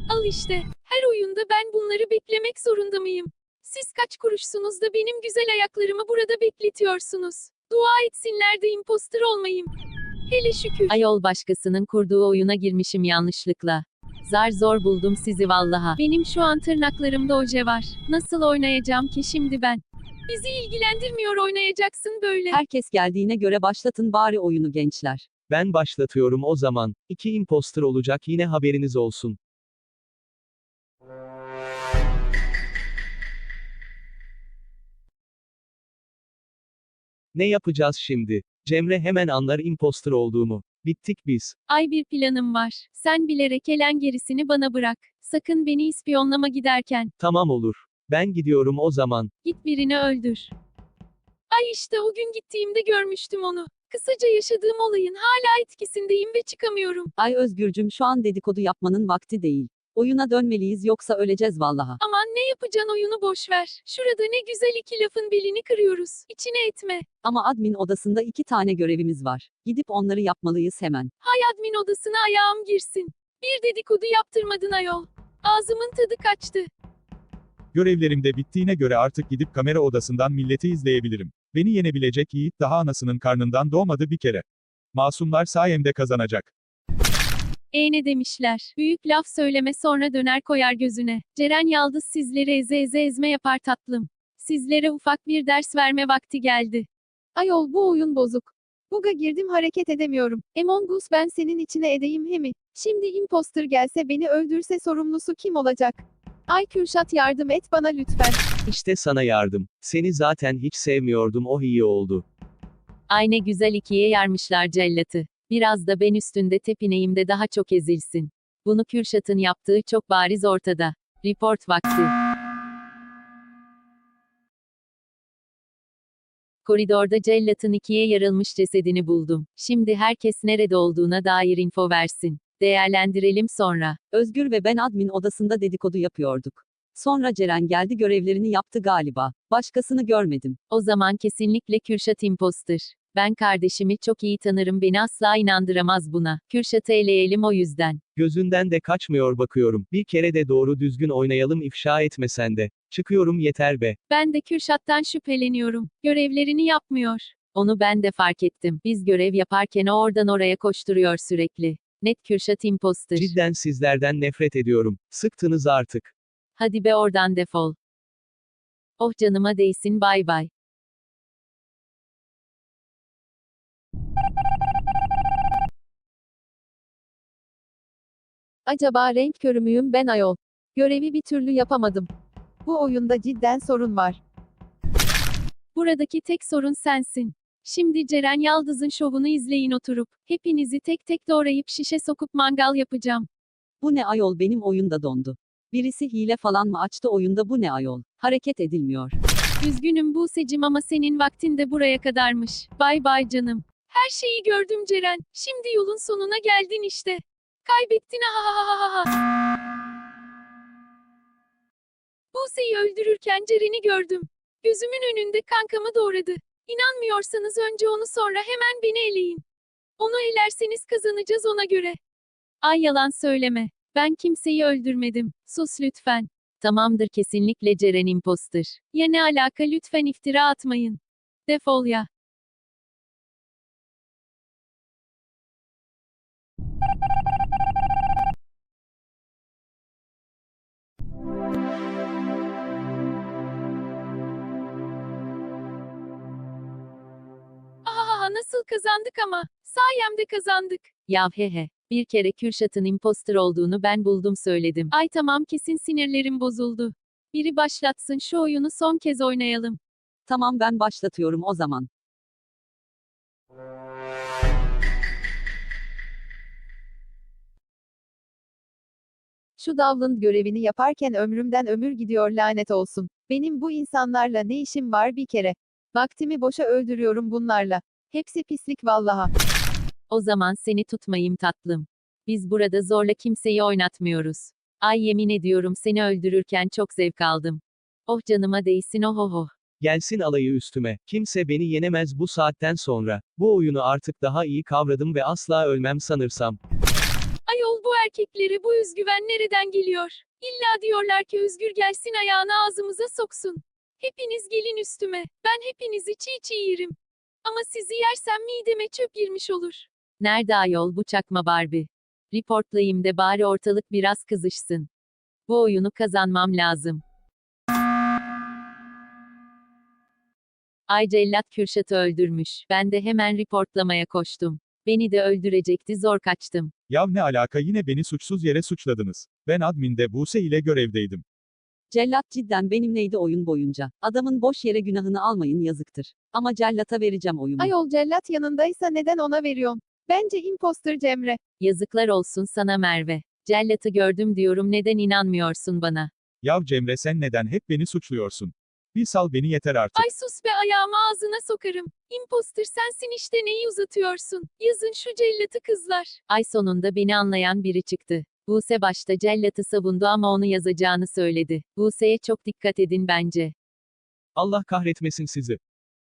Al işte. Her oyunda ben bunları beklemek zorunda mıyım? Siz kaç kuruşsunuz da benim güzel ayaklarımı burada bekletiyorsunuz? Dua etsinler de imposter olmayayım. Hele şükür. Ayol, başkasının kurduğu oyuna girmişim yanlışlıkla. Zar zor buldum sizi vallaha. Benim şu an tırnaklarımda oje var. Nasıl oynayacağım ki şimdi ben? Bizi ilgilendirmiyor, oynayacaksın böyle. Herkes geldiğine göre başlatın bari oyunu gençler. Ben başlatıyorum o zaman. 2 imposter olacak, yine haberiniz olsun. Ne yapacağız şimdi? Cemre hemen anlar imposter olduğumu. Bittik biz. Ay, bir planım var. Sen bilerek elen, gerisini bana bırak. Sakın beni ispiyonlama giderken. Tamam, olur. Ben gidiyorum o zaman. Git birini öldür. Ay işte, o gün gittiğimde görmüştüm onu. Kısaca yaşadığım olayın hala etkisindeyim ve çıkamıyorum. Ay Özgürcüm, şu an dedikodu yapmanın vakti değil. Oyuna dönmeliyiz yoksa öleceğiz vallaha. Aman, ne yapacaksın, oyunu boş ver. Şurada ne güzel iki lafın belini kırıyoruz. İçine etme. Ama admin odasında 2 tane görevimiz var. Gidip onları yapmalıyız hemen. Hay admin odasına ayağım girsin. Bir dedikodu yaptırmadın ayol. Ağzımın tadı kaçtı. Görevlerim de bittiğine göre artık gidip kamera odasından milleti izleyebilirim. Beni yenebilecek yiğit daha anasının karnından doğmadı bir kere. Masumlar sayemde kazanacak. Ne demişler? Büyük laf söyleme, sonra döner koyar gözüne. Ceren Yaldız sizleri eze eze ezme yapar tatlım. Sizlere ufak bir ders verme vakti geldi. Ayol, bu oyun bozuk. Bug'a girdim, hareket edemiyorum. Among Us, ben senin içine edeyim he mi? Şimdi imposter gelse beni öldürse sorumlusu kim olacak? Ay Kürşat, yardım et bana lütfen. İşte sana yardım. Seni zaten hiç sevmiyordum, oh iyi oldu. Ay, ne güzel ikiye yarmışlar cellatı. Biraz da ben üstünde tepineyim de daha çok ezilsin. Bunu Kürşat'ın yaptığı çok bariz ortada. Report vakti. Koridorda cellatın ikiye yarılmış cesedini buldum. Şimdi herkes nerede olduğuna dair info versin. Değerlendirelim sonra. Özgür ve ben admin odasında dedikodu yapıyorduk. Sonra Ceren geldi, görevlerini yaptı galiba. Başkasını görmedim. O zaman kesinlikle Kürşat imposter. Ben kardeşimi çok iyi tanırım, beni asla inandıramaz buna. Kürşat'ı eleyelim o yüzden. Gözünden de kaçmıyor bakıyorum. Bir kere de doğru düzgün oynayalım, ifşa etme sen de. Çıkıyorum yeter be. Ben de Kürşat'tan şüpheleniyorum. Görevlerini yapmıyor. Onu ben de fark ettim. Biz görev yaparken o oradan oraya koşturuyor sürekli. Net Kürşat imposter. Cidden sizlerden nefret ediyorum. Sıktınız artık. Hadi be, oradan defol. Oh, canıma değsin, bay bay. Acaba renk körü müyüm ben ayol? Görevi bir türlü yapamadım. Bu oyunda cidden sorun var. Buradaki tek sorun sensin. Şimdi Ceren Yaldız'ın şovunu izleyin oturup. Hepinizi tek tek doğrayıp şişe sokup mangal yapacağım. Bu ne ayol, benim oyunda dondu. Birisi hile falan mı açtı oyunda, bu ne ayol? Hareket edilmiyor. Üzgünüm Buse'cim ama senin vaktin de buraya kadarmış. Bay bay canım. Her şeyi gördüm Ceren. Şimdi yolun sonuna geldin işte. Kaybettin, ha. Buse'yi öldürürken Ceren'i gördüm. Gözümün önünde kankamı doğradı. İnanmıyorsanız önce onu, sonra hemen beni eleyin. Onu elerseniz kazanacağız ona göre. Ay, yalan söyleme. Ben kimseyi öldürmedim. Sus lütfen. Tamamdır, kesinlikle Ceren imposter. Ya ne alaka, lütfen iftira atmayın. Defol ya. Nasıl kazandık ama. Sayemde kazandık. Yav he. Bir kere Kürşat'ın imposter olduğunu ben buldum söyledim. Ay tamam, kesin sinirlerim bozuldu. Biri başlatsın şu oyunu, son kez oynayalım. Tamam, ben başlatıyorum o zaman. Şu Davlın görevini yaparken ömrümden ömür gidiyor, lanet olsun. Benim bu insanlarla ne işim var bir kere? Vaktimi boşa öldürüyorum bunlarla. Hepsi pislik vallaha. O zaman seni tutmayayım tatlım. Biz burada zorla kimseyi oynatmıyoruz. Ay, yemin ediyorum seni öldürürken çok zevk aldım. Oh, canıma değsin, oh oh oh. Gelsin alayı üstüme. Kimse beni yenemez bu saatten sonra. Bu oyunu artık daha iyi kavradım ve asla ölmem sanırsam. Ayol bu erkeklere bu özgüven nereden geliyor? İlla diyorlar ki Özgür gelsin ayağını ağzımıza soksun. Hepiniz gelin üstüme. Ben hepinizi çiğ çiğ yerim. Ama sizi yersem mideme çöp girmiş olur. Nerede ayol bu çakma Barbie? Reportlayayım de bari ortalık biraz kızışsın. Bu oyunu kazanmam lazım. Ay cellat Kürşat'ı öldürmüş. Ben de hemen reportlamaya koştum. Beni de öldürecekti, zor kaçtım. Yav ne alaka, yine beni suçsuz yere suçladınız. Ben adminde Buse ile görevdeydim. Cellat cidden benimleydi oyun boyunca. Adamın boş yere günahını almayın, yazıktır. Ama cellata vereceğim oyumu. Ayol cellat yanındaysa neden ona veriyorsun? Bence imposter Cemre. Yazıklar olsun sana Merve. Cellatı gördüm diyorum, neden inanmıyorsun bana? Yav Cemre, sen neden hep beni suçluyorsun? Bir sal beni yeter artık. Ay sus be, ayağımı ağzına sokarım. Imposter sensin işte, neyi uzatıyorsun? Yazın şu cellatı kızlar. Ay sonunda beni anlayan biri çıktı. Buse başta cellatı savundu ama onu yazacağını söyledi. Buse'ye çok dikkat edin bence. Allah kahretmesin sizi.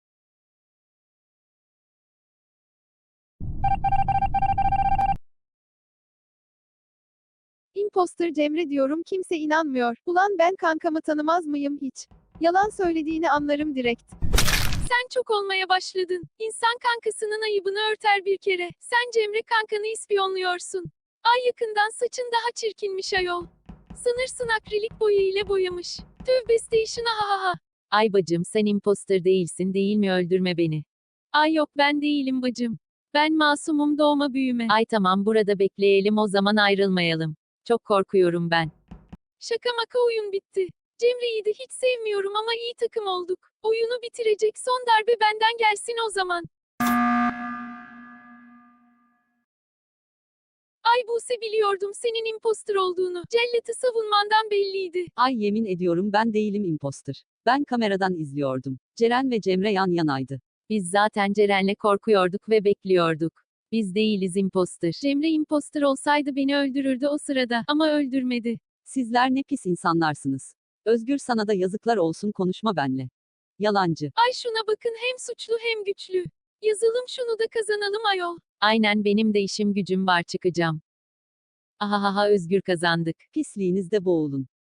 Imposter Cemre diyorum, kimse inanmıyor. Ulan ben kankamı tanımaz mıyım hiç? Yalan söylediğini anlarım direkt. Sen çok olmaya başladın. İnsan kankasının ayıbını örter bir kere. Sen Cemre kankanı ispiyonluyorsun. Ay yakından saçın daha çirkinmiş ayol. Sanırsın akrilik boya ile boyamış. Tövbe station, ha ha ha. Ay bacım, sen imposter değilsin değil mi, öldürme beni. Ay yok, ben değilim bacım. Ben masumum doğma büyüme. Ay tamam, burada bekleyelim o zaman, ayrılmayalım. Çok korkuyorum ben. Şaka maka, oyun bitti. Cemre'yi de hiç sevmiyorum ama iyi takım olduk. Oyunu bitirecek son darbe benden gelsin o zaman. Ay Buse, biliyordum senin imposter olduğunu. Cellat'ı savunmandan belliydi. Ay yemin ediyorum ben değilim imposter. Ben kameradan izliyordum. Ceren ve Cemre yan yanaydı. Biz zaten Ceren'le korkuyorduk ve bekliyorduk. Biz değiliz imposter. Cemre imposter olsaydı beni öldürürdü o sırada ama öldürmedi. Sizler ne pis insanlarsınız. Özgür, sana da yazıklar olsun, konuşma benle. Yalancı. Ay şuna bakın, hem suçlu hem güçlü. Yazalım şunu da kazanalım ayol. Aynen, benim de işim gücüm var, çıkacağım. Ahahaha, Özgür kazandık. Pisliğinizde boğulun.